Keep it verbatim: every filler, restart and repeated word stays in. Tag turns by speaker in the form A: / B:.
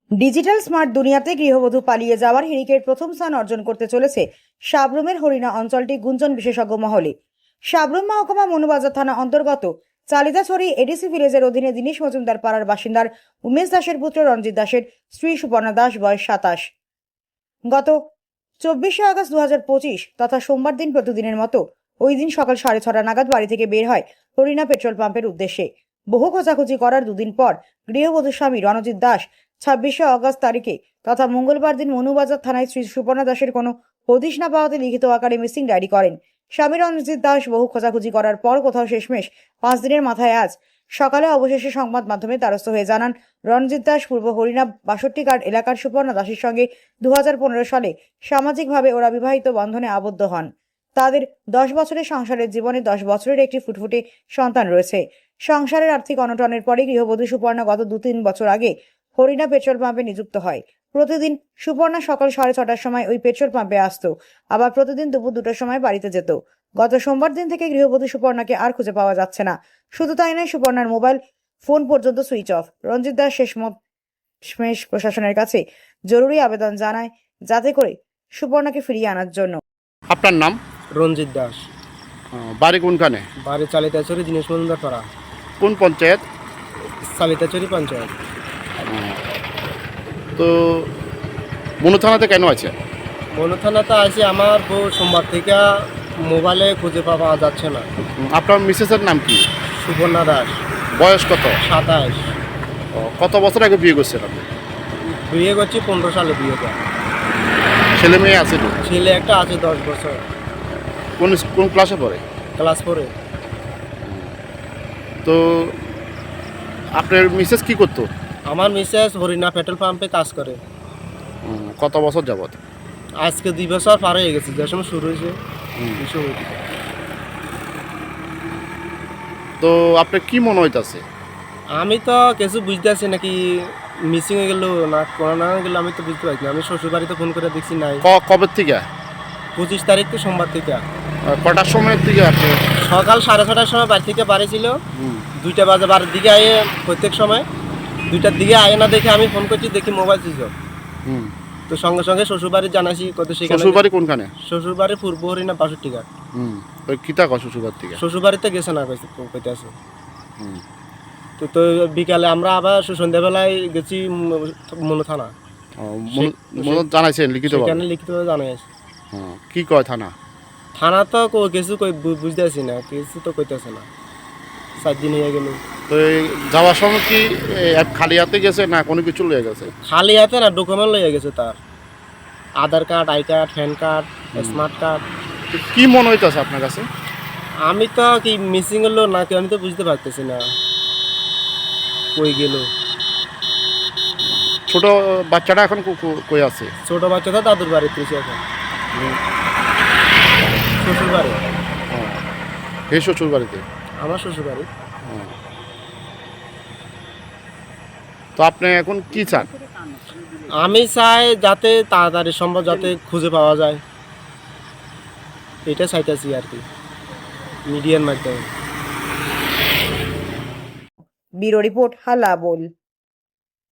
A: Digital smart দুনিয়াতে গৃহবধূ পালিয়ে যাওয়ার হিড়িকের প্রথম স্থান অর্জন করতে চলেছে সাবরুমের হরিণা অঞ্চলটি গুঞ্জন বিশেষজ্ঞ মহলে। সাবরুম মহকুমা মনুবাজার থানা অন্তর্গত চালিদাছড়ি এডিসি ভিলেজের অধীনে দীনেশ মজুমদার পাড়ার বাসিন্দার উমেশ দাসের পুত্র রঞ্জিত দাসের স্ত্রী সুপর্ণা দাস, বয়স সাতাশ। গত চব্বিশে আগস্ট দু হাজার পঁচিশ তথা সোমবার দিন প্রতিদিনের মতো ওই দিন সকাল সাড়ে ছটা নাগাদ বাড়ি থেকে বের হয় হরিণা পেট্রোল পাম্পের উদ্দেশ্যে। বহু খোঁজাখুঁজি করার দুদিন পর গৃহবধূ স্বামী রণজিৎ দাস ছাব্বিশে আগস্ট তারিখে তথা মঙ্গলবার দিন মনুবাজার থানায় শ্রী সুপর্ণা দাসের কোনো হদিশ না পাওয়াতে লিখিত আকারে মিসিং ডায়েরি করেন। স্বামী রণজিৎ দাস বহু খোঁজাখুঁজি করার পর কোথাও শেষমেশ পাঁচ দিনের মাথায় আজ সকালে অবশেষে সংবাদ মাধ্যমে দ্বারস্থ হয়ে জানান রণজিৎ দাস পূর্ব হরিণা বাষট্টি কার্ড এলাকার সুপর্ণা দাসের সঙ্গে দু হাজার পনেরো সালে সামাজিকভাবে ওরা বিবাহিত বন্ধনে আবদ্ধ হন। তাদের দশ বছরের সংসারের জীবনে দশ বছরের একটি ফুটফুটে সন্তান রয়েছে। সংসারের আর্থিক অনটনের পরে গৃহবধূ সুপর্ণা গত দু তিন বছর আগে হরিণা পেট্রোল পাম্পে নিযুক্ত হয়। প্রতিদিন সুপর্ণা সকাল সাড়ে ছটার সময় ওই পেট্রোল পাম্পে আসতো, আবার প্রতিদিন দুপুর দুটোর সময় বাড়িতে যেত। গত সোমবার দিন থেকে গৃহবধূ সুপর্ণাকে আর খুঁজে পাওয়া যাচ্ছে না। শুধু তাই নয়, সুপর্ণার মোবাইল ফোন পর্যন্ত সুইচ অফ। রঞ্জিত দাস শেষমেশ প্রশাসনের কাছে জরুরি আবেদন জানায় যাতে করে সুপর্ণাকে ফিরিয়ে আনার জন্য।
B: আপনার নাম?
C: রঞ্জিত দাস।
B: আহ, বাড়ি কোনখানে?
C: বাড়ি চালিতাচুরি দীনেশ মজুমদার পাড়া।
B: কোন পঞ্চায়েত?
C: চালিতাচুরি পঞ্চায়েত।
B: তো মনু থানাতে কেন আছে?
C: মনু থানাতে আছে আমার বউ সোমবার থেকে মোবাইলে খুঁজে পাওয়া যাচ্ছে না।
B: উম, আপনার মিসেসের নাম কি?
C: সুপর্ণা দাস,
B: বয়স কত?
C: সাতাশ।
B: ও, কত বছর আগে বিয়ে করছেন আপনি?
C: বিয়ে করছি পনেরো সালে বিয়ে করা।
B: ছেলে মেয়ে আছে তো?
C: ছেলে একটা আছে দশ বছর,
B: কোন কোন ক্লাসে পড়ে?
C: ক্লাস ফোরে।
B: তো আপনার মিসেস কি করতো?
C: আমার মিসেস হরিণা পেট্রোল পাম্পে কাজ করে।
B: উম, কত বছর যাবত?
C: আজকে দুই বছর পার হয়ে গেছে, যে সময় শুরু হয়েছে।
B: হুম।
C: এই সময় থেকে।
B: তো আপনার কি মনে হইতাছে?
C: আমি তো কিছু বুঝতে পারছি নাকি মিসিং হয়ে গেল না কোনো না গেল, আমি তো বুঝতে পারছি না। আমি শ্বশুর বাড়িতে ফোন করে দেখছি নাই।
B: ক- কবে থেকে?
C: পঁচিশ তারিখ তো সোমবার থেকে।
B: আহ, কটার সময়ের থেকে আপনি?
C: সকাল সাড়ে ছটার সময় বাড়ি থেকে বাড়ি ছিল,
B: হুম,
C: দুইটা বাজে বাড়ির দিকে আয়ে প্রত্যেক সময় দুইটার দিকে আয়ে না দেখে আমি ফোন করছি, দেখি মোবাইল সুইচ অফ।
B: হুম।
C: তো সঙ্গে সঙ্গে শ্বশুরবাড়ি জানাইছি, কত সেখানে
B: শ্বশুর বাড়ি কোনখানে?
C: শ্বশুরবাড়ি পূর্ব হরিণা বাষট্টি ঘাট।
B: হুম। তো কিতা কয় শ্বশুর বাড়ি থেকে?
C: শ্বশুরবাড়িতে গেছে না কইতে আছে।
B: হুম।
C: তো তো বিকালে আমরা আবার সন্ধ্যাবেলায় গেছি মনু থানা।
B: ও, মনু- মনু জানাইছেন লিখিত?
C: সেখানে লিখিতভাবে জানাইছি।
B: হ্যাঁ, কি কয় থানা?
C: থানা তো কো- কিছু কই বু- বুঝতে পারছি না, কিছু তো কইতেছে না। সাত দিন হয়ে গেল।
B: তো এই যাওয়ার সময় কি এ, খালি হাতে গেছে না কোনো কিছু লয়ে গেছে?
C: খালি হাতে না, ডকুমেন্ট লয়ে গেছে তার, Aadhaar card, I card, PAN card, smart card.
B: তো কি মনে হইতাছে আপনার কাছে?
C: আমি তো কি মিসিং হলো নাকি আমি তো বুঝতে পারতেছি না কই গেল।
B: ছোট বাচ্চাটা এখন কো- কো- কই আছে?
C: ছোট বাচ্চা তো দাদুর বাড়িতে এসে এখন, শ্বশুর বাড়ি।
B: হ্যাঁ, হে শ্বশুর বাড়িতে?
C: আমার শ্বশুর বাড়ি।
B: হ্যাঁ। তো আপনি এখন কি চান?
C: আমি চাই যাতে তাড়াতাড়ি সম্ভব যাতে খুঁজে পাওয়া যায়, এটা চাইতেছি আর কি মিডিয়ার মাধ্যমে।
A: ব্যুরো রিপোর্ট, হালা বোল।